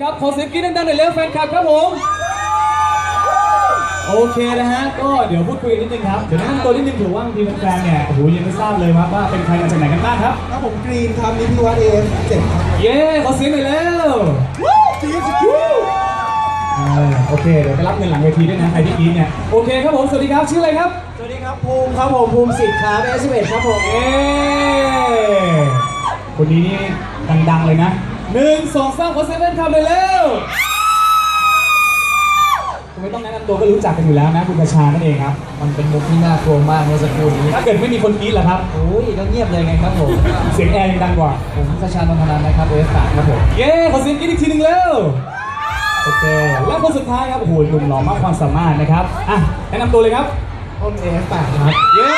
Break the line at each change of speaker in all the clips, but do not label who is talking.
ครับขอเสียงกรี๊ดดังๆหน่อยเร็วแฟนคลับครับผมโอเคนะฮะก็เดี๋ยวพูดคุยกันนิดนึงครับเดี๋ยวแนะนำตัวนิดนึงถือว่าบางทีแฟนๆเนี่ยโอ้โหยังไม่ทราบเลยว่าเป็นใครมาจากไหนกันบ้างครับ
ครับผมกรีนครับนิติวัฒน์AF7ครับ
เย้ขอเสียงหน่อยเร็วโอเคเดี๋ยวไปรับเงินหลังเวทีด้วยนะใครที่กรี๊ดเนี่ยโอเคครับผมสวัสดีครับชื่ออะไรครับ
สวัสดีครับภูมิครับผมภูมิสิทธิ์ครับAF11ครับผม
คนนี้นี่ดังๆเลยนะ1 2 3ขอเสียงแฟนคลับเลยเร็วไม่ต้องแนะนำตัวก็รู้จักกันอยู่แล้วนะคุณกระชานั่นเองครับ
มันเป็นมุกที่น่ากลัวมากเมื่อสักครู่นี้
ถ้าเกิดไม่มีคนกรี๊ดล่ะครับ
โอ้ยก็เงียบเลยไงครับผม
เสียงแอร์ยังดังกว่า
ผมกระชานนทนันนะครับAF8ครับผม
เย้ขอเสียงกรี๊ดอีกทีหนึ่งเร็วโอเคและคนสุดท้ายครับโอ้โหหนุ่มหล่อมากความสามารถนะครับอ่ะแนะนำตัวเลยครับ
ต้นAF8ครับ
เย้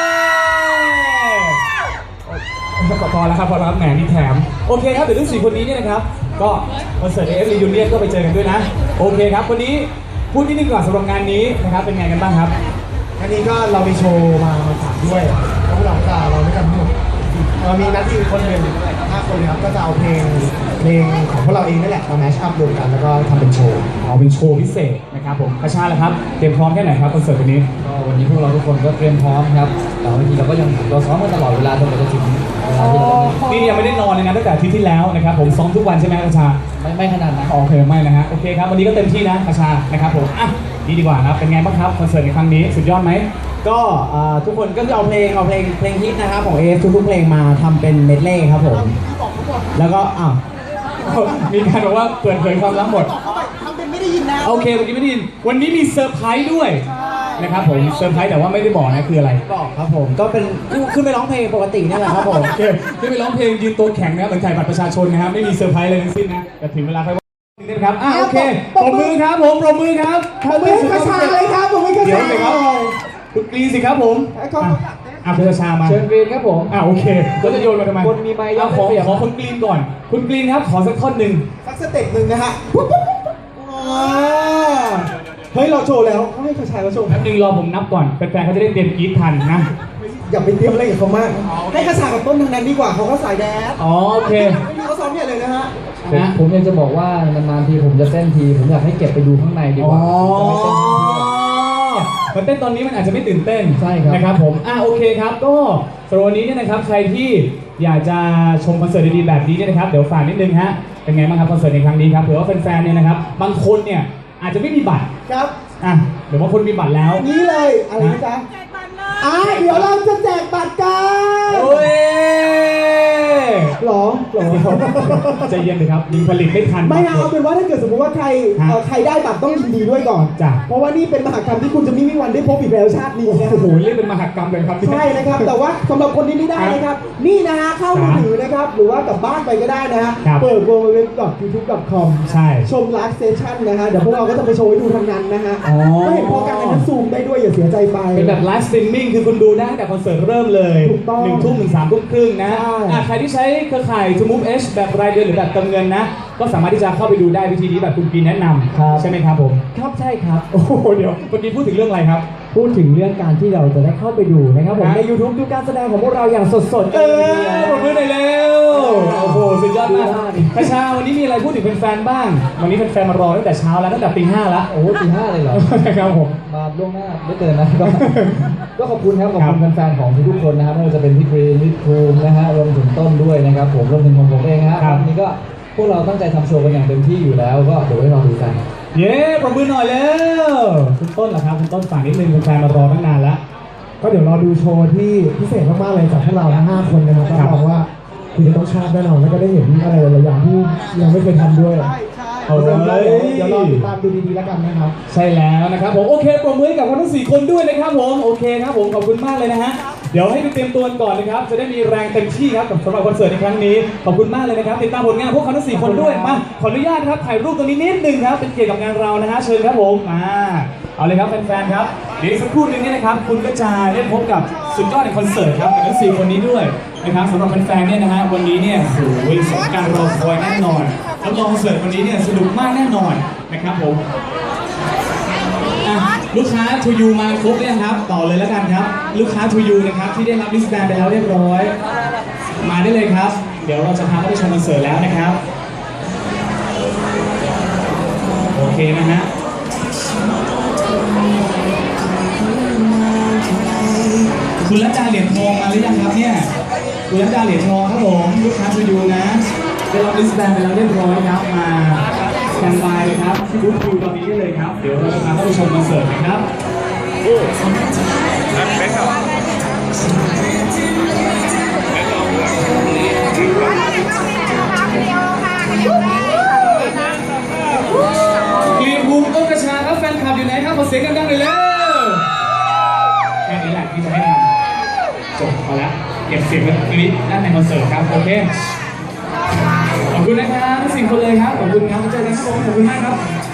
พอแล้วครับแหมมีแถมโอเคครับเดี๋ยวทั้ง4คนนี้เนี่ยนะครับก็คอนเสิร์ต AF Reunion ก็ไปเจอกันด้วยนะโอเคครับวันนี้พูดนิดนึงก่อนสำหรับงานนี้นะครับเป็นไงกันบ้างครับ
อันนี้ก็เรามีโชว์มาฝากด้วยแล้วเราจะเราด้วยกันทั้งหมดเรามีนักที่คนหนึ่ง5 คนครับก็จะเอาเพลงของพวกเราเองนั่นแหละมาแมชอัพรวมกันแล้วก็ทำเป็นโชว์
เป็นโชว์พิเศษนะครับผมกระชาแล้วครับเตรียมพร้อมแค่ไหนครับคอนเสิร์ตวันนี้
ก็วันนี้พวกเราทุกคนก็เตรียมพร้อมครับแต่บางทีเราก็ยังซ้อมกันตลอดเวลาจนกว่าจะถึงเวลาที่เรา
นี่ยังไม่ได้นอนเลยนะตั้งแต่อาทิตย์ที่แล้วนะครับผมซ้อมทุกวันใช่ไหมกระชา
ไม่ขนาดนั้น
โอเคไม่นะฮะโอเคครับวันนี้ก็เต็มที่นะกระชานะครับผมอ่ะดีกว่าครับเป็นไงบ้างครับคอนเสิร์ตในครั้งนี้สุดยอดไหม
ก็ทุกคนก็จะเอาเพลงฮิตนะครับของAFทุกเพลงมาทำเป็นเมดเล่ครับผมแล้วก็
มีการบอกว่าเปิดเผยความลับหมด
ทำเป็นไม่ได้ยินนะ
โอเคเมื่อกี้ไม่ได้ยินวันนี้มีเซอร์ไพรส์ด้วยนะครับผมเซอร์ไพรส์แต่ว่าไม่ได้บอกนะคืออะไร
บอกครับผมก็เป็นขึ้นไปร้องเพลงปกตินี่แหละครับผม
โอเคขึ้นไปร้องเพลงยืนตัวแข็งนะเหมือนถ่ายบัตรประชาชนนะครับไม่มีเซอร์ไพรส์เลยทั้งสิ้นนะแต่ถึงเวลาค่อยว่านิดนะครับโอเคปรบมือครับผมปรบมือครับ
กระชาเลยครับผมไม่กระชาเลยครับ
คุณกรีนสิครับผมคุณกระชามา
เชิญกรีนครับผม
โอเคก็จะโยนมาทำไม
คนมีไมค์
ขอคุณกรีนก่อนคุณกรีนครับขอสักท่อนหนึ่ง
สักสเต็ปหนึ่งนะฮะเฮ้ยเราโชว์แล้วให้กระชาเราโชว์
แป๊บนึงรอผมนับก่อนแฟนๆเขาจะได้เตรียมกรีดทันนะ
อย่าไปเตรียมอะไรกับเขามากให้กระชากับต้นทางนั้นดีกว่าเขาก็สายแดน
โอเค
ไม่มีเขาซ้อมเนี่ยเลยนะฮะ
ผมอยากจะบอกว่านานๆทีผมจะเต้นทีผมอยากให้เก็บไปดูข้างในดีกว่า
มันเต้นตอนนี้มันอาจจะไม่ตื่นเต้น
ใช่ครับ
นะครับผมโอเคครับก็สำหรับวันนี้เนี่ยนะครับใครที่อยากจะชมคอนเสิร์ตดีๆแบบนี้เนี่ยนะครับเดี๋ยวฝากนิดนึงฮะเป็นไงบ้างครับคอนเสิร์ตในครั้งนี้ครับเผื่อว่าแฟนๆเนี่ยนะครับบางคนเนี่ยอาจจะไม่มีบัตร
ครับ
หรือว่าคนมีบัตรแล้ว
นี่เลยอะไรนะจ๊ะเดี๋ยวเราจะแจกบัตรกัน
โอ้ย
หรอ
ใจเย็นเลยครับยิงผลิตไม่ทัน
ไม่เอาเป็นว่าถ้าเกิดสมมติว่าใครได้บัตรต้องยินดีด้วยก่อน
จ้ะ
เพราะว่านี่เป็นมหกรรมที่คุณจะไม่มีวันได้พบอีกแล้วชาตินี้นะ
โอ้โหเรียกเป็นมหกรรมเลยครับ
ใช่นะครับแต่ว่าสำหรับคนที่ไม่ได้นะครับนี่นะฮะเข้ามือถือนะครับหรือว่ากลับบ้านไปก็ได้นะฮะเปิด www.youtube.com
ใช่
ชมไลฟ์เซสชั่นนะฮะเดี๋ยวพวกเราก็จะไปโชว์ให้ดูทั้งนั้นนะฮะก็เห็นพอกันนั้นซูมได้ด้วยอย่าเสียใจไป
เป็นแบบไลฟ์สตรีมมิ่งคือคุณดูได้แต่คอนเสิร์ตเริ่มเลย1 ทุ่มถึง 3 ทุ่มครึ่งนะใครที่ใช้เครือข่าย To Move H แบบรายเดือนหรือแบบเติมเงินนะก็สามารถที่จะเข้าไปดูได้วิธีนี้แบบคุณกีแนะนำใช่ไหมครับผม
ครับใช่ครับ
โอ้โหเดี๋ยวเมื่อกี้พูดถึงเรื่องอะไรครับ
พูดถึงเรื่องการที่เราจะได้เข้าไปดูนะครับผมใน YouTube ดูการแสดงของพวกเราอย่างสดๆ
ปรบมือหน่อยเร็วโอ้โหสุดยอดมากกระชาวันนี้มีอะไรพูดถึงแฟนๆบ้างวันนี้แฟนๆมารอตั้งแต่เช้าแล้วตั้งแต่ตี 5แล้ว
โอ้ตี 5เลยเหรอ
ครับผม
มาล่วงหน้าไม่เกินนะก็ขอบคุณครับขอบคุณแฟนๆของทุกคนนะครับไม่ว่าจะเป็นพี่กรีนพี่ภูมินะฮะรวมถึงต้นด้วยนะครับผมรวมถึงผมเองฮะวันนี้ก็พวกเราตั้งใจทำโชว์กันอย่างเต็มที่อยู่แล้วก็เดี๋ยวไว้รอดูกัน
เย้ปรบมือหน่อยแล้วคุณต้นเหรอครับคุณต้นฝากนิดนึงแฟนมารอตั้งนานแล้ว
ก็เดี๋ยวรอดูโชว์ที่พิเศษมากๆเลยจากพวกเราทั้ง5 คนนะครับรับรองว่าคุณจะต้องชอบแน่นอนแล้วก็ได้เห็นอะไรหลายอย่างที่ยังไม่เคยทำด้วยเดี๋ยวรอติดตามดูดีๆแล้วกันนะครับ
ใช่แล้วนะครับผมโอเคปรบมือกับทั้ง4 คนด้วยนะครับผมโอเคครับผมขอบคุณมากเลยนะฮะเดี๋ยวให้ไปเตรียมตัวก่อนนะครับจะได้มีแรงเต็มที่ครับสำหรับคอนเสิร์ตในครั้งนี้ขอบคุณมากเลยนะครับติดตามผลงานพวกเขาทั้ง4 คนด้วยมาขออนุญาตครับถ่ายรูปตรงนี้นิดนึงครับเป็นเกียรติกับงานเรานะฮะเชิญครับผมเอาเลยครับแฟนๆครับเดี๋ยวสักครู่นึงนี่นะครับคุณก็จะได้พบกับสุดยอดในคอนเสิร์ตครับกับทั้ง4 คนนี้ด้วยนะครับสำหรับแฟนๆเนี่ยนะฮะวันนี้เนี่ยโอ้ยสมการรอคอยแน่นอนรับรองคอนเสิร์ตวันนี้เนี่ยสนุกมากแน่นอนนะครับผมลูกค้าทูยูมาครบเนี่ยครับต่อเลยแล้วกันครับลูกค้าทูยูนะครับที่ได้รับลิสต์แบนไปแล้วเรียบร้อยมาได้เลยครับเดี๋ยวเราจะพาเข้าไปชมคอนเสิร์ตแล้วนะครับนะฮะคุณรัตดาเหรียญทองมาหรือยังครับเนี่ยคุณรัตดาเหรียญทองครับผมลูกค้าทูยูนะได้รับลิสต์แบนไปแล้วเรียบร้อยครับมาสแตนบายครับที่บูธคิวตอนนี้ได้เลยครับเดี๋ยวเราจะพาเข้าไปชมคอนเสิร์ตนะครับ กรีนบูมต้นกระชาครับแฟนคลับอยู่ไหนครับขอเสียงดังๆหน่อยเร็วแค่นี้แหละที่จะให้ทำจบพอแล้วเก็บเสียงไว้ตรงนี้ด้านในคอนเสิร์ตครับโอเคขอบคุณนะครับทั้ง4 คนเลยครับขอบคุณครับเจอกันครับผมขอบคุณมากครับ